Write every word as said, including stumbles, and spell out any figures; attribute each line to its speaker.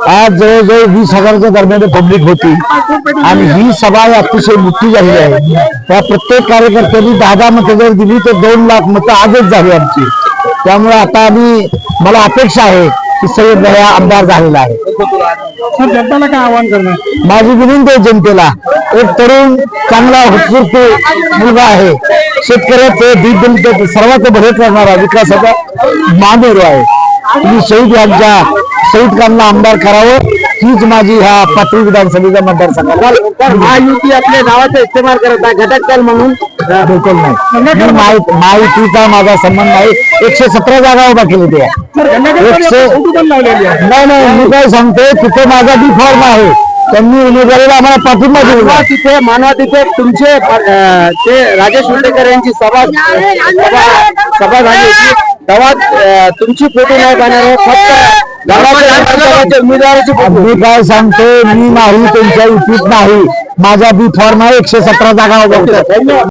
Speaker 1: आज जवळजवळ वीस हजाराच्या दरम्यान पब्लिक होती आणि ही सभा अतिशय मोठी झाली आहे। त्या प्रत्येक कार्यकर्त्यांनी दहा दहा मतं जर दिली तर दोन लाख मतं आजच झाली आमची। त्यामुळे आता आम्ही मला अपेक्षा आहे की सय्यद भैया आमदार झालेला आहे।
Speaker 2: जनताला काय आवाहन करणार?
Speaker 1: माझी विनंती आहे जनतेला, एक तरुण चांगला उत्स्फूर्त मुलगा आहे, शेतकऱ्याचे दीपदलित सर्वात भले करणारा विकासाचा मानव आहे। तुम्ही शहीद यांच्या शहीद खानला आमदार करावं हीच माझी ह्या पाथरी विधानसभेच्या मतदारसंघात।
Speaker 2: महायुती आपल्या नावाचा इस्तेमाल करत आहे घटक दल म्हणून,
Speaker 1: बिलकुल नाही। महायुतीचा माझा संबंध नाही। एकशे सतरा जागा उभा केली ते एकशे नाही नाही मी काय सांगतो, तिथे माझा बी फॉर्म आहे, त्यांनी उमेदवारीला आम्हाला पाठिंबा दिला।
Speaker 2: तिथे मानवा तिथे तुमचे ते राजेश उल्लेकर यांची सभा सभा झाली होती, तेव्हा तुमची फोटो नाही पाहणार, फक्त उमेदवाराची फोटो।
Speaker 1: मी काय सांगतो, मी नाही त्यांच्या युतीत नाही, माझा बी फॉर्म आहे, एकशे सतरा जागा उभा